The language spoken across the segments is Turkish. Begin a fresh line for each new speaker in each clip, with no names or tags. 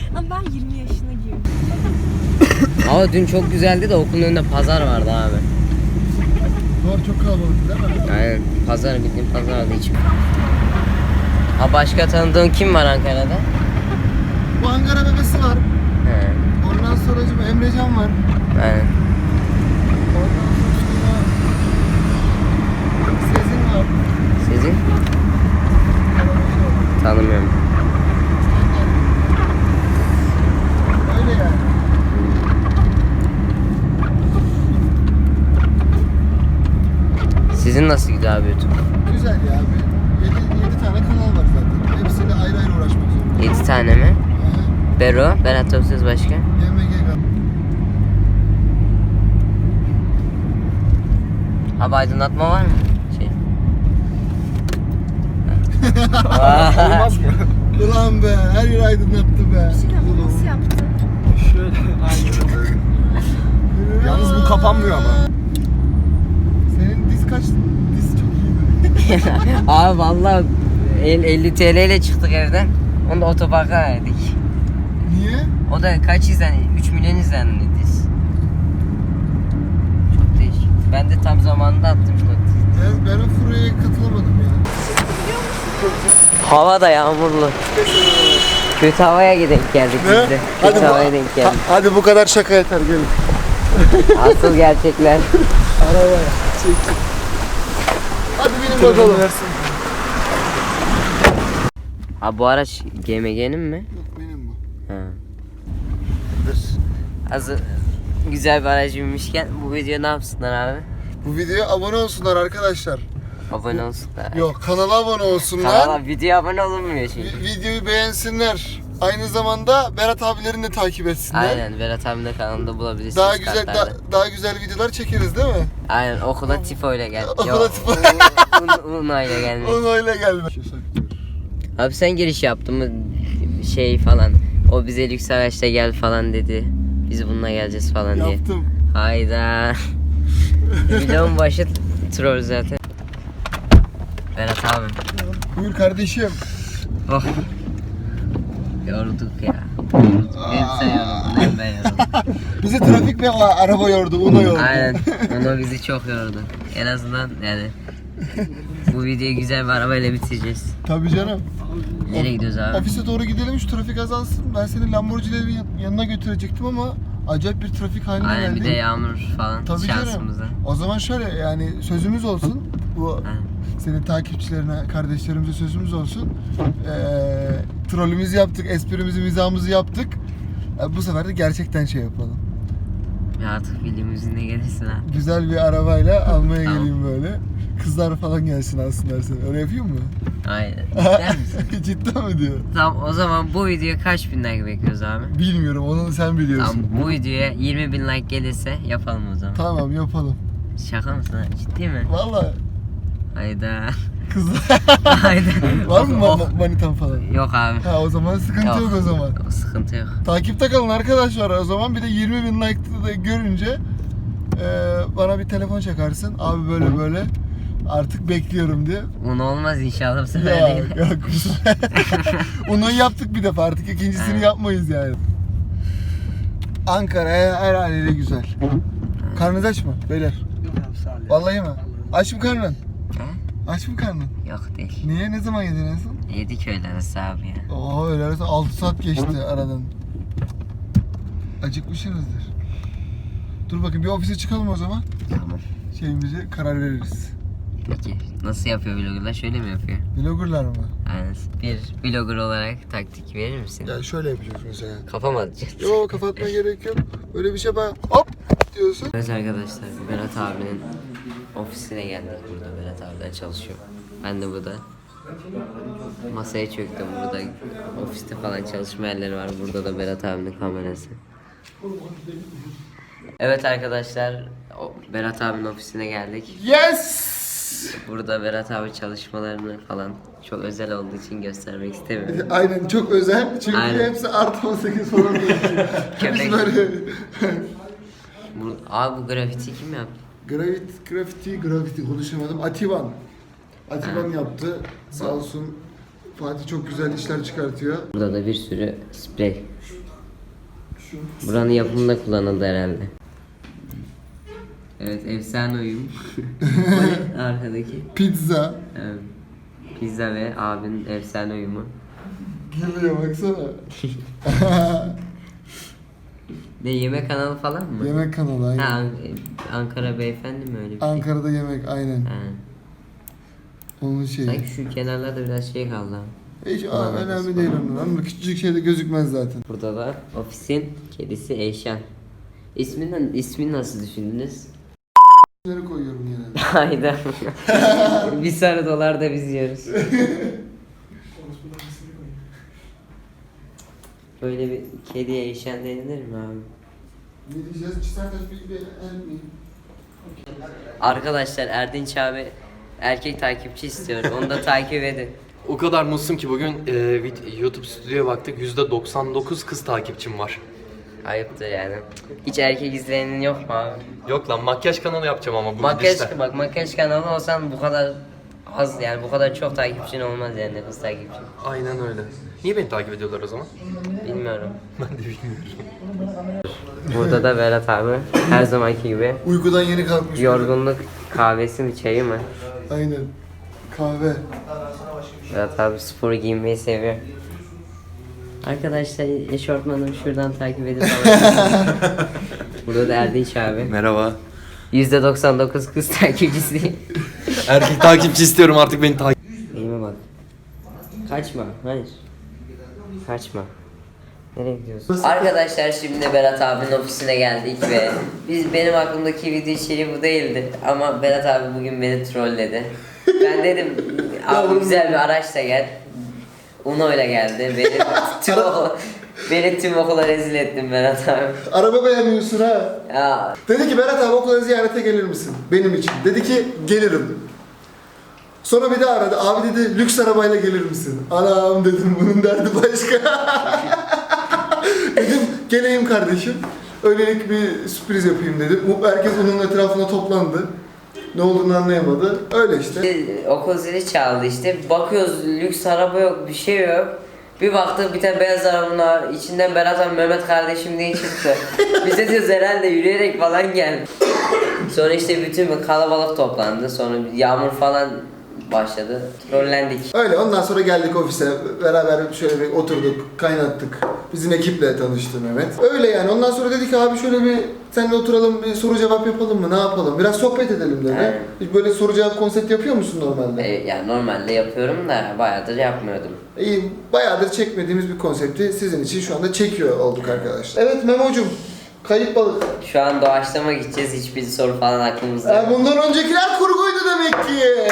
Ama ben 20 yaşına girdim.
Ama dün çok güzeldi de okulun önünde pazar vardı abi.
Doğru, çok kalabalık değil mi?
Aynen. Pazar, bildiğin pazar vardı hiç. Ha, başka tanıdığın kim var Ankara'da?
Bu Ankara bebesi var.
He.
Ondan sonra Emrecan var.
Aynen.
Ondan sonra Sezin var.
Sizin? Tanımıyorum.
Öyle yani.
Sizin nasıl gidiyor abi YouTube?
Güzel ya abi. 7 tane kanal var zaten. Hepsiyle ayrı ayrı uğraşmak zorunda.
7 tane mi?
Aha.
Bero, Berat Topsuz başka?
YMG kanal.
Abi aydınlatma var mı? Şey.
Olmaz mı? Ulan be, her yer aydınlattı be.
Sinema nasıl yaptın?
Şöyle aynen. Yalnız bu kapanmıyor ama.
Senin diz kaç? Diz çok iyi.
Abi vallahi 50 TL ile çıktık evden. Onu da otoparka verdik.
Niye?
O da kaç izlendi? 3 milyon izlendiyiz. Çok değişik. Ben de tam zamanında attım işte.
Ben o furyaya katılamadım ya.
Hava da yağmurlu. Kötü havaya denk geldik biz de. Kötü havaya denk geldik.
Hadi bu kadar şaka yeter, gelin.
Asıl gerçekler.
Arabaya. Çek. Hadi benim bakalım.
Abi bu araç GMG'nin mi?
Yok, benim bu.
Ha. Hazır güzel bir aracı binmişken bu video ne yapsınlar abi?
Bu videoya abone olsunlar arkadaşlar.
Abone olsunlar.
Yok, kanala abone olsunlar.
Kanala video abone olunmuyor çünkü.
Videoyu beğensinler. Aynı zamanda Berat abilerini de takip etsinler.
Aynen, Berat abinin de kanalında bulabilirsiniz.
Daha güzel
kartlarda.
daha güzel videolar çekeriz değil mi?
Aynen, okula tifo ile gel.
Okula tifo.
Uno ile gelmek.
Onu öyle gelme.
Abi sen giriş yaptın mı şey falan. O bize lüks araçla gel falan dedi. Biz bununla geleceğiz falan diye.
Yaptım.
Hayda. Videonun başı troll zaten. Berat abi.
Buyur kardeşim.
Oh. Yorulduk ya. Hem sen yoruldun hem ben yoruldum.
Bizi trafik ve araba yordu, Uno yordu.
Aynen. Uno bizi çok yordu. En azından yani bu videoyu güzel bir arabayla bitireceğiz.
Tabii canım.
Nereye gidiyoruz abi?
Ofise doğru gidelim, şu trafik azalsın. Ben seni Lamborghini'lerin yanına götürecektim ama acayip bir trafik haline
Aynen,
geldik.
bir de yağmur falan
Tabii
şansımızda.
canım. O zaman şöyle, yani sözümüz olsun. Bu
Aynen.
senin takipçilerine, kardeşlerimize sözümüz olsun. Trollümüzü yaptık, esprimizi, mizahımızı yaptık. Bu sefer de gerçekten şey yapalım.
Ya artık filmimizin ne gelirsin ha.
Güzel bir arabayla almaya
Tamam.
geleyim böyle. Kızlar falan gelsin alsınlar seni. Öyle yapayım mı?
Aynen. Cidden misin?
Cidden mi diyor?
Tamam, o zaman bu videoya kaç bin like bekliyoruz abi?
Bilmiyorum, onu sen biliyorsun.
Tamam, bu videoya 20 bin like gelirse yapalım o zaman.
Tamam, yapalım.
Şaka mısın ha? Ciddi mi?
Vallahi
Hayda.
kızlar.
Hayda.
Var mı
Oh.
manitan falan?
Yok abi.
Ha, o zaman sıkıntı yok o zaman.
O sıkıntı yok.
Takipte kalın arkadaşlar. O zaman bir de 20 bin like'ı da görünce bana bir telefon çakarsın. Abi böyle böyle artık bekliyorum diye.
Uno olmaz inşallah bu sefer değil.
Yok yok. Onu yaptık bir defa, artık ikincisini
Evet.
yapmayız yani. Ankara her haliyle güzel. Karnınız aç mı beyler? Vallahi mi? Aç mı karnın?
Ha?
Aç mı karnın?
Yok değil.
Niye? Ne zaman yedin en son?
Yedik öyle arası abi ya.
Oo, öyle arası 6 saat geçti aradan. Acıkmışsınızdır. Dur bakayım, bir ofise çıkalım o zaman.
Tamam.
Şeyimize karar veririz.
Peki nasıl yapıyor vloggerlar? Şöyle mi yapıyor?
Vloggerlar mı?
Aynen. Bir vlogger olarak taktik verir misin?
Ya şöyle yapacağız mesela.
Kafam atacak.
Yok, kapatma gerek yok. Öyle bir şey, ben hop diyorsun.
Evet arkadaşlar, Berat abinin ofisine geldik. Burada Berat abiler çalışıyor. Ben de burada masaya çöktüm. Burada ofiste falan çalışma yerleri var. Burada da Berat abinin kamerası. Evet arkadaşlar, Berat abinin ofisine geldik.
Yes!
Burada Berat abi çalışmalarını falan çok özel olduğu için göstermek istemiyorum.
Aynen, çok özel. Çünkü
Aynen.
hepsi artı 18 falan diyor.
Köpek.
Biz böyle
Abi bu grafiti kim yaptı?
Gravity konuşamadım. Ativan yaptı. Sağ olsun. Fatih çok güzel işler çıkartıyor.
Burada da bir sürü sprey. Buranın yapımında kullanıldı herhalde. Evet, efsane uyum. Arkadaki.
Pizza.
Evet. Pizza ve abinin efsane uyumu.
Geliyor baksana.
Ne, yemek kanalı falan mı?
Yemek kanalı aynen.
Ha, Ankara Beyefendi mi öyle bir şey?
Ankara'da yemek aynen.
Ha.
Onun şeyi.
Sanki şu kenarlarda biraz şey kaldı.
Hiç
Kullanırız
önemli değil onun. Ama küçücük şeyde gözükmez zaten.
Burada da ofisin kedisi Eyşan. İsmini nasıl düşündünüz?
Bunları koyuyorum genelde.
Hayda. Bir sarı dolar da biz yiyoruz. Böyle bir kediye Eyşan denilir mi abi?
Ne diyeceğiz? Çisertaş bir el mi?
Arkadaşlar Erdinç abi erkek takipçi istiyor. Onu da takip edin.
O kadar mutsuzum ki bugün YouTube stüdyoya baktık. %99 kız takipçim var.
Ayıptır yani. Hiç erkek izleyenin yok mu abi?
Yok lan, makyaj kanalı yapacağım ama bu
Makyaj,
gidişle.
bak makyaj kanalı olsan bu kadar az yani bu kadar çok takipçin olmaz yani kız takipçin.
Aynen öyle. Niye beni takip ediyorlar o zaman?
Bilmiyorum.
Ben de bilmiyorum.
Burada da Berat abi her zamanki gibi
Uykudan yeni kalkmış.
yorgunluk kahvesi mi çayı mı?
Aynen. Kahve.
Berat abi spor giyinmeyi seviyor. Arkadaşlar eşortmanımı şuradan takip edin falan. Burada da Erdinç abi.
Merhaba.
%99 kız takipçisi.
Erkek takipçi istiyorum, artık beni takip.
Elime bak. Kaçma. Hayır. Kaçma. Nereye gidiyorsun? Arkadaşlar şimdi Berat abinin ofisine geldik ve benim aklımdaki video içeriği bu değildi ama Berat abi bugün beni trolledi. Ben dedim abi güzel bir araçla gel. Uno ile geldi. Beni tüm okula rezil ettin Berat abi.
Araba beğenmiyorsun ha.
Ya
Dedi ki Berat abi okula ziyarete gelir misin? Benim için. Dedi ki gelirim. Sonra bir daha aradı. Abi dedi lüks arabayla gelir misin? Anam dedim bunun derdi başka. Dedim geleyim kardeşim. Öylelik bir sürpriz yapayım dedim. Herkes onun etrafına toplandı. Ne olduğunu anlayamadı. Öyle işte.
okul zili çaldı işte. Bakıyoruz lüks araba yok, bir şey yok. Bir baktık bir tane beyaz arabanın var. İçinden Berat abi Mehmet kardeşim diye çıktı. Biz de diyoruz herhalde yürüyerek falan geldi. Sonra işte bütün bir kalabalık toplandı. Sonra bir yağmur falan başladı. Trollendik.
Öyle ondan sonra geldik ofise. Beraber şöyle bir oturduk, kaynattık. Bizim ekiple tanıştı Mehmet. Öyle yani. Ondan sonra dedik ki abi şöyle bir seninle oturalım, bir soru cevap yapalım mı? Ne yapalım? Biraz sohbet edelim dedi.
Aynen.
Hiç böyle soru cevap konsept yapıyor musun normalde?
Yani normalde yapıyorum da bayağıdır yapmıyordum.
İyi, bayağıdır çekmediğimiz bir konsepti sizin için şu anda çekiyor olduk arkadaşlar. Evet Memo'cum, kayıp balık.
Şu an doğaçlama gideceğiz. Hiçbir soru falan aklımızda yok.
Bundan öncekiler kurguydu demek ki.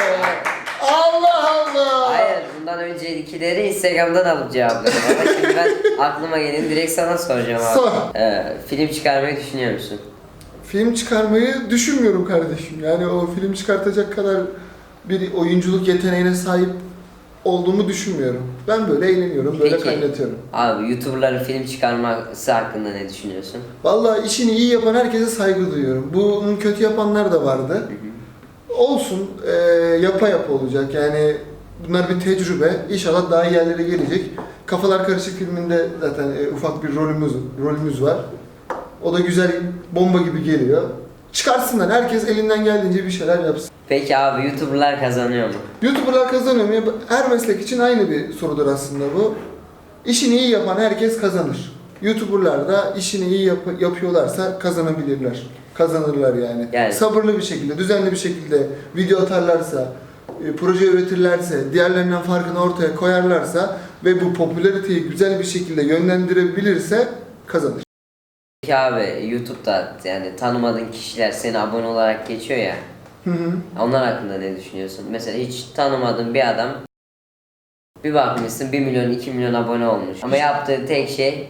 Allah Allah.
Hayır, bundan öncekileri Instagram'dan alıp cevapladım ama şimdi ben aklıma gelin direkt sana soracağım abi.
Sor.
Film çıkarmayı düşünüyor musun?
Film çıkarmayı düşünmüyorum kardeşim. Yani o film çıkartacak kadar bir oyunculuk yeteneğine sahip olduğumu düşünmüyorum. Ben böyle eğleniyorum, böyle kaynatıyorum.
Abi YouTuber'ların film çıkarması hakkında ne düşünüyorsun?
Vallahi işini iyi yapan herkese saygı duyuyorum. Bunun kötü yapanlar da vardı. Olsun, yapa olacak. Yani bunlar bir tecrübe. İnşallah daha iyi yerlere gelecek. Kafalar Karışık filminde zaten ufak bir rolümüz var. O da güzel, bomba gibi geliyor. Çıkarsınlar. Herkes elinden geldiğince bir şeyler yapsın.
Peki abi YouTuber'lar kazanıyor mu?
YouTuber'lar kazanıyor mu? Her meslek için aynı bir sorudur aslında bu. İşini iyi yapan herkes kazanır. YouTuber'lar da işini iyi yapıyorlarsa kazanabilirler. Kazanırlar yani. Sabırlı bir şekilde, düzenli bir şekilde video atarlarsa, proje üretirlerse, diğerlerinden farkını ortaya koyarlarsa ve bu popülariteyi güzel bir şekilde yönlendirebilirse kazanır.
Peki abi YouTube'da yani tanımadığın kişiler seni abone olarak geçiyor ya. Onlar hakkında ne düşünüyorsun? Mesela hiç tanımadığın bir adam bir bakmışsın 1 milyon 2 milyon abone olmuş. Ama yaptığı tek şey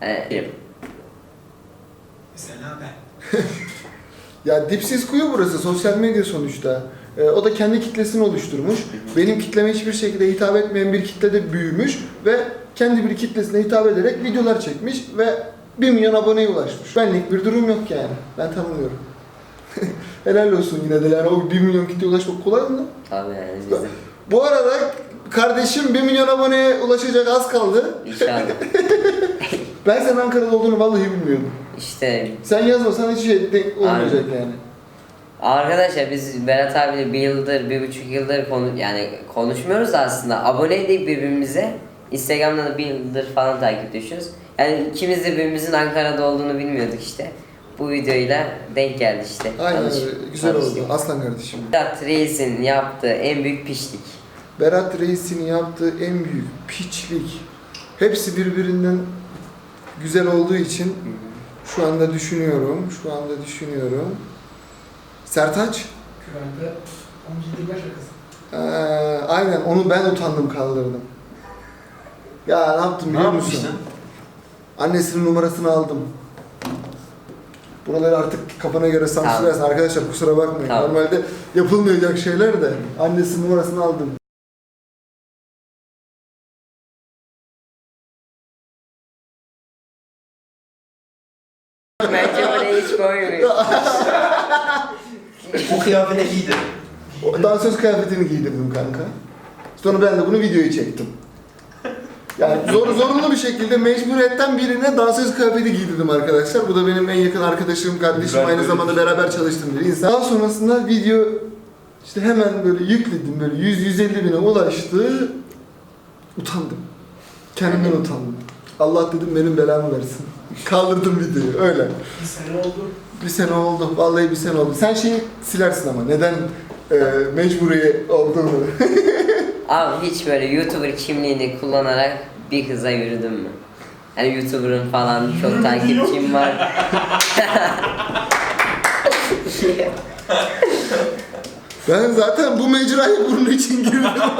Mesela ben.
Ya dipsiz kuyu burası, sosyal medya sonuçta. O da kendi kitlesini oluşturmuş. Benim kitleme hiçbir şekilde hitap etmeyen bir kitlede büyümüş ve kendi bir kitlesine hitap ederek videolar çekmiş ve 1 milyon aboneye ulaşmış. Benlik bir durum yok yani. Ben tanımıyorum. Helal olsun yine de yani o 1 milyon kitleye ulaşmak kolay mı?
Tabii yani bizim.
Bu arada kardeşim 1 milyon aboneye ulaşacak, az kaldı.
İnşallah.
Ben senin Ankara'da olduğunu vallahi bilmiyordum.
İşte
Sen yazmasan hiç şey olmayacak yani.
arkadaşlar biz Berat abiyle 1,5 yıldır konuşmuyoruz da aslında. Aboneydik birbirimize. Instagram'dan da 1 yıldır falan takipleşiyoruz. Yani ikimiz de birbirimizin Ankara'da olduğunu bilmiyorduk işte. Bu videoyla denk geldi işte.
Aynen öyle. Güzel
tanıştık.
oldu. Aslan kardeşim.
Berat Reis'in yaptığı en büyük pişlik.
Berat Reis'in yaptığı en büyük piçlik. Hepsi birbirinden güzel olduğu için şu anda düşünüyorum. Sertaç?
Güvende 17 yaş akası.
Aynen onu ben utandım kaldırdım. Ya ne yaptım biliyor musun?
yapmıştın?
Annesinin numarasını aldım. Buraları artık kafana göre sansürlersin arkadaşlar, kusura bakmayın.
Tamam.
Normalde yapılmayacak şeyler de annesinin numarasını aldım.
Bence oraya hiç koymuyor.
Bu kıyafeti giydi.
Dansöz kıyafetini giydirdim kanka. Sonra ben de bunu videoyu çektim. Yani zorunlu bir şekilde mecburiyetten birine dansöz kıyafeti giydirdim arkadaşlar. Bu da benim en yakın arkadaşım, kardeşim, aynı zamanda beraber çalıştığım bir insan. Daha sonrasında video işte hemen böyle yükledim, böyle 100-150 bine ulaştı. Utandım. Kendimden utandım. Allah dedim benim belamı versin. Kaldırdım videoyu öyle.
Bir sene oldu.
Bir sene oldu. Vallahi bir sene oldu. Sen şeyi silersin ama neden mecburi olduğunu.
Abi hiç böyle YouTuber kimliğini kullanarak bir kıza yürüdün mü? Hani YouTuber'ın falan çok takipçim var.
Ben zaten bu mecraya bunun için girdim.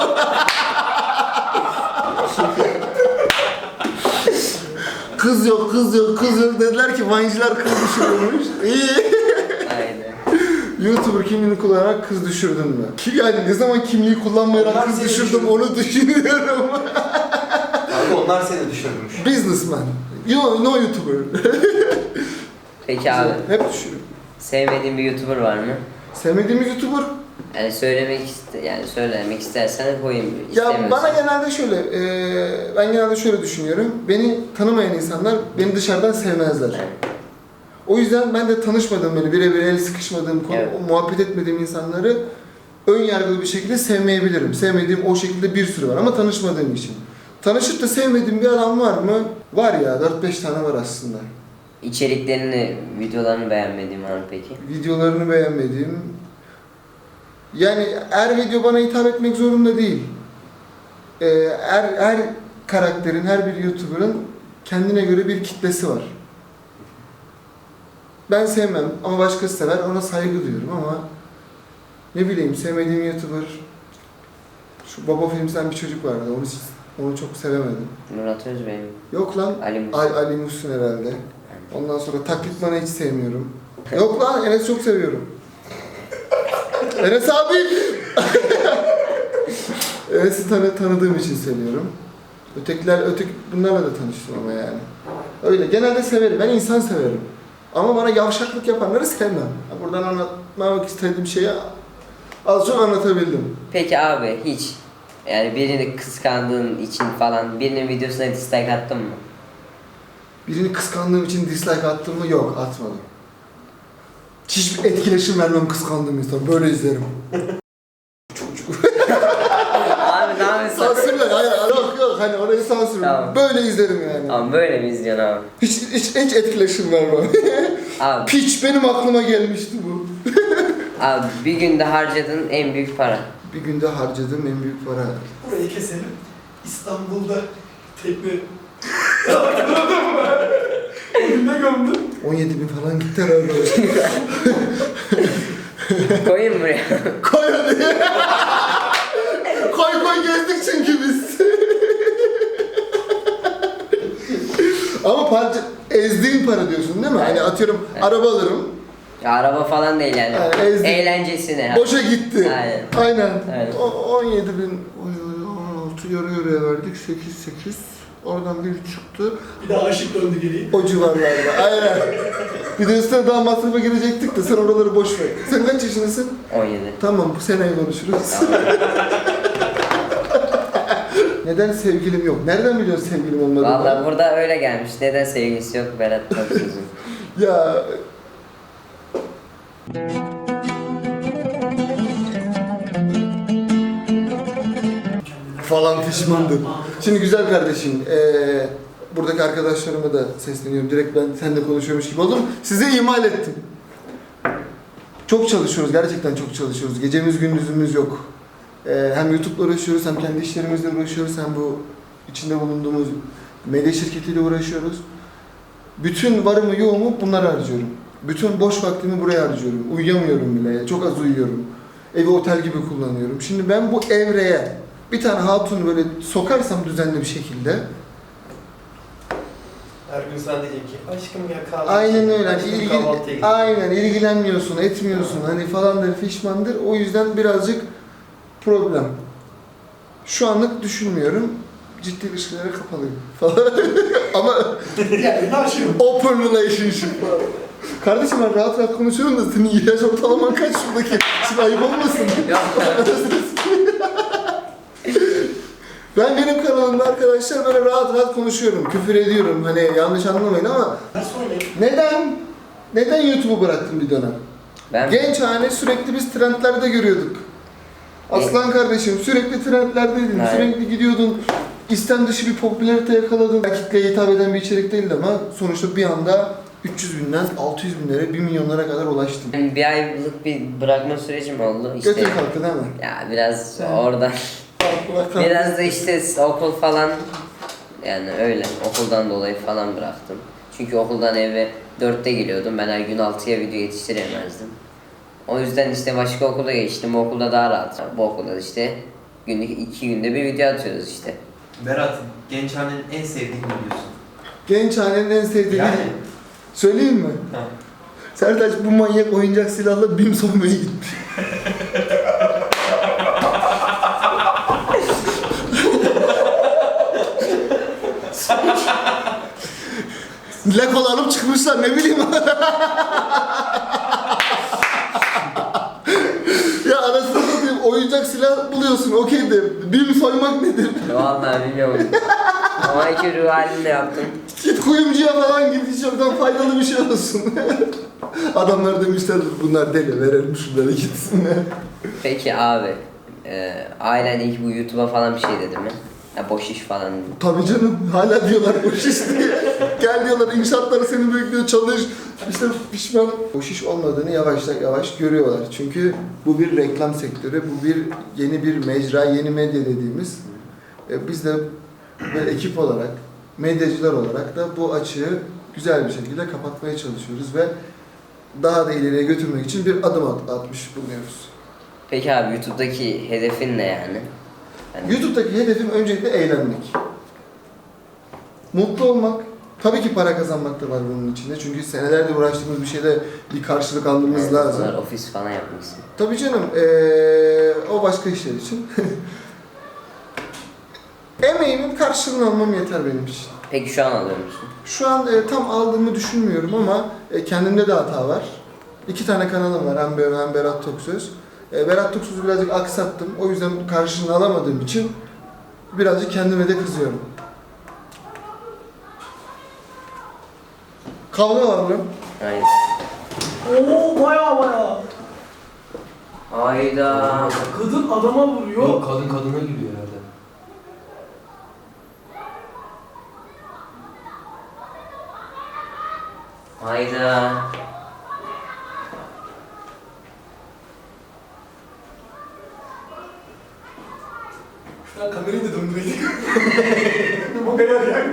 Kız yok dediler ki Vine'ciler kız düşürüyormuş. İyi.
Aynen.
YouTuber kimliğini kullanarak kız düşürdün mü? Yani ne zaman kimliği kullanmayarak
Onlar
kız
seni
düşürdüm
düşürdü.
onu düşünüyorum.
Abi onlar seni düşürmüş.
Businessman. No YouTuber.
Peki abi
Hep düşürüyor.
sevmediğin bir YouTuber var mı?
Sevmediğimiz YouTuber.
Yani söylemek istersen koyayım.
Ya
İstemiyorsan.
bana genelde şöyle, ben genelde şöyle düşünüyorum. Beni tanımayan insanlar beni dışarıdan sevmezler.
Evet.
O yüzden ben de tanışmadığım, böyle birebir el sıkışmadığım,
Evet.
muhabbet etmediğim insanları ön yargılı bir şekilde sevmeyebilirim. Sevmediğim o şekilde bir sürü var ama tanışmadığım için. Tanışıp da sevmediğim bir adam var mı? Var ya, 4-5 tane var aslında.
İçeriklerini, videolarını beğenmediğin var mı peki?
Videolarını beğenmediğim... Yani her video bana hitap etmek zorunda değil. Her karakterin, her bir YouTuber'ın kendine göre bir kitlesi var. Ben sevmem ama başkası sever, ona saygı duyuyorum ama ne bileyim sevmediğim YouTuber, şu Baba Films'ten bir çocuk vardı, onu çok sevemedim.
Murat Özbey mi?
Yok lan,
Ali Muhsin.
Ali Muhsin herhalde. Ondan sonra Taklitman'ı hiç sevmiyorum. Yok lan, Enes çok seviyorum. Enes abi! Enes'i tanıdığım için seviyorum. Bunlarla da tanıştım ama yani. Öyle, genelde severim, ben insan severim. Ama bana yavşaklık yapanları sevmem. Buradan anlatmak istediğim şeyi az çok anlatabildim.
Peki abi hiç yani birini kıskandığın için falan birinin videosuna dislike attın mı?
Birini kıskandığım için dislike attım mı? Yok, atmadım. Hiçbir etkileşim vermem kıskandığım insan. Böyle izlerim.
Abi ne yapıyorsun?
Sansürle, hayır, yok, hani orayı sansür.
Tamam.
Böyle izlerim yani.
Abi böyle mi izliyorsun abi?
Hiç etkileşim vermem.
Abi,
Piç, benim aklıma gelmişti bu.
abi bir günde harcadığın en büyük para.
Bir günde harcadığım en büyük para.
Burayı keselim. İstanbul'da tekne... Ne gömdün?
17.000 falan gitti herhalde.
Koyayım buraya.
Koy hadi. Koy gezdik çünkü biz. Ama ezdiğin para diyorsun değil mi? Hani atıyorum araba alırım.
Ya, araba falan değil yani.
Yani ezdim.
Eğlencesine.
Boşa gitti. Aynen.
Aynen.
17.000, 16 yarıya verdik. 8. Oradan bir çıktı.
Bir daha aşık döndü geriye.
O civarlarda. Aynen. Bir de üstüne daha masrafa girecektik de sen oraları boş ver. Sen kaç yaşındasın?
17.
Tamam, bu seneyi konuşuruz.
Tamam.
Neden sevgilim yok? Nereden biliyorsun sevgilim olmadığını?
Vallahi burada öyle gelmiş. Neden sevgilisi yok Berat Taksız'ın?
Ya falan pişmandım. Şimdi güzel kardeşim, buradaki arkadaşlarıma da sesleniyorum. Direkt ben seninle konuşuyormuş gibi oldum. Size imal ettim. Çok çalışıyoruz, gerçekten çok çalışıyoruz. Gecemiz gündüzümüz yok. Hem YouTube'la uğraşıyoruz, hem kendi işlerimizle uğraşıyoruz, hem bu içinde bulunduğumuz medya şirketiyle uğraşıyoruz. Bütün varımı yoğumu bunlara harcıyorum. Bütün boş vaktimi buraya harcıyorum. Uyuyamıyorum bile, çok az uyuyorum. Evi otel gibi kullanıyorum. Şimdi ben bu evreye bir tane hatun böyle sokarsam düzenli bir şekilde,
Her gün sana diyecek ki aşkım ya kahvaltı.
aynen öyle.
Aşkım kahvaltıya gidelim.
Aynen ilgilenmiyorsun, etmiyorsun. Hani falandır, fişmandır. O yüzden birazcık problem. Şu anlık düşünmüyorum. Ciddi ilişkilere kapalıyım falan. Ama
Yani naşım.
open relationship falan. Kardeşim ben rahat rahat konuşuyorum da senin yaş ortalaman kaç şuradaki? Şimdi ayıp olmasın. Ben benim kanalımda arkadaşlar böyle rahat rahat konuşuyorum. Küfür ediyorum. Hani yanlış anlamayın ama
Nasıl oynayayım?
neden YouTube'u bıraktım bir dönem?
Ben
Genç hane sürekli biz trendlerde görüyorduk. Aslan kardeşim sürekli trendlerdeydin,
Evet.
sürekli gidiyordun. İstem dışı bir popülarite yakaladın. Kitleye hitap eden bir içerik değildi ama sonuçta bir anda 300 binden 600 binlere, 1 milyonlara kadar ulaştın.
yani bir aylık bir bırakma sürecim oldu. İşte
Götür kalktı değil mi?
ya biraz oradan biraz da işte okul falan yani öyle okuldan dolayı falan bıraktım. Çünkü okuldan eve 4'te geliyordum. Ben her gün 6'ya video yetiştiremezdim. O yüzden işte başka okula geçtim. Bu okulda daha rahat. Bu okulda da işte günlük 2 günde bir video atıyoruz işte.
Berat, Gençhane'nin en sevdiğini biliyorsun.
Genç hanenin en sevdiği
Yani.
söyleyeyim mi?
Ha.
Sertaç bu manyak oyuncak silahla BİM soymaya gitmiş. Lekola alıp çıkmışlar ne bileyim. Ya anasını satayım oyuncak silah buluyorsun okey de BİM soymak nedir?
Vallahi bilmiyorum. Ama iki ruh halinde yaptım.
Git kuyumcuya falan git hiç oradan faydalı bir şey olsun. Adamlar demişlerdir bunlar deli verelim şunları gitsinler.
Peki abi, ailen ilk bu YouTube'a falan bir şey dedi mi? Ya boş iş falan.
Tabii canım hala diyorlar boş iş diye. Gel diyorlar inşaatları seni bekliyor çalış. İşte pişman. Boş iş olmadığını yavaş yavaş görüyorlar. Çünkü bu bir reklam sektörü, bu bir yeni bir mecra, yeni medya dediğimiz. Biz de böyle ekip olarak, medyacılar olarak da bu açığı güzel bir şekilde kapatmaya çalışıyoruz ve daha da ileriye götürmek için bir adım atmış bulunuyoruz.
Peki abi YouTube'daki hedefin ne yani? Yani
YouTube'daki hedefim öncelikle eğlenmek. Mutlu olmak. Tabii ki para kazanmak da var bunun içinde. Çünkü senelerdir uğraştığımız bir şeyde bir karşılık almamız
yani
lazım.
bunlar ofis falan yapmışsın.
Tabii canım. O başka işler için. Emeğimin karşılığını almam yeter benim için.
Peki şu an alıyor musun?
Şu an tam aldığımı düşünmüyorum ama kendimde de hata var. 2 tane kanalım var. Hem Berat Toksöz. Berat Toksöz'ü birazcık aksattım. O yüzden karşılığını alamadığım için birazcık kendime de kızıyorum. Kavga var mı?
Hayır.
Oo baya.
Hayda.
Kadın adama vuruyor.
Yok kadın kadına gülüyor herhalde.
Hayda.
Şuradan kamerayı da döndüreydik. Bu kadar yani.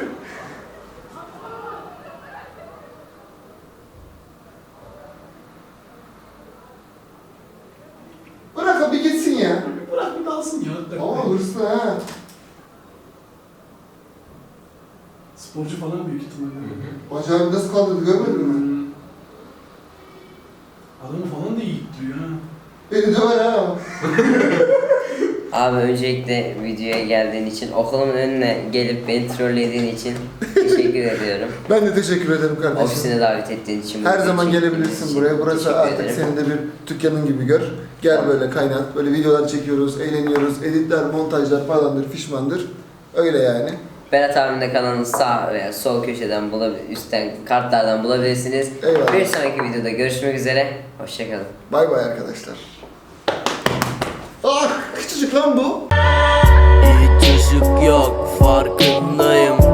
Bırak bir gitsin ya.
Bırak bir dalsın ya.
Ama hırslı ha.
Sporcu falan büyük ihtimalle.
Bacağını nasıl kaldırdı görmedin mi?
Adamı falan da iyi ittiriyor ha.
Beni döver ha.
Abi öncelikle videoya geldiğin için, okulumun önüne gelip beni trollediğin için teşekkür ediyorum.
Ben de teşekkür ederim kardeşim.
Ofisine davet ettiğin için.
Her
bu
zaman
için-
gelebilirsin
için
buraya. Burası
teşekkür
artık
ederim.
senin de bir dükkanın gibi gör. Gel
Tamam.
böyle kaynat. Böyle videolar çekiyoruz, eğleniyoruz. Editler, montajlar falandır, fişmandır. Öyle yani.
Berat abinin de kanalını sağ veya sol köşeden üstten kartlardan bulabilirsiniz.
Eyvallah.
Bir sonraki videoda görüşmek üzere. Hoşçakalın.
Bay bay arkadaşlar. Ah küçücük lan bu.
Hiç ışık yok farkındayım.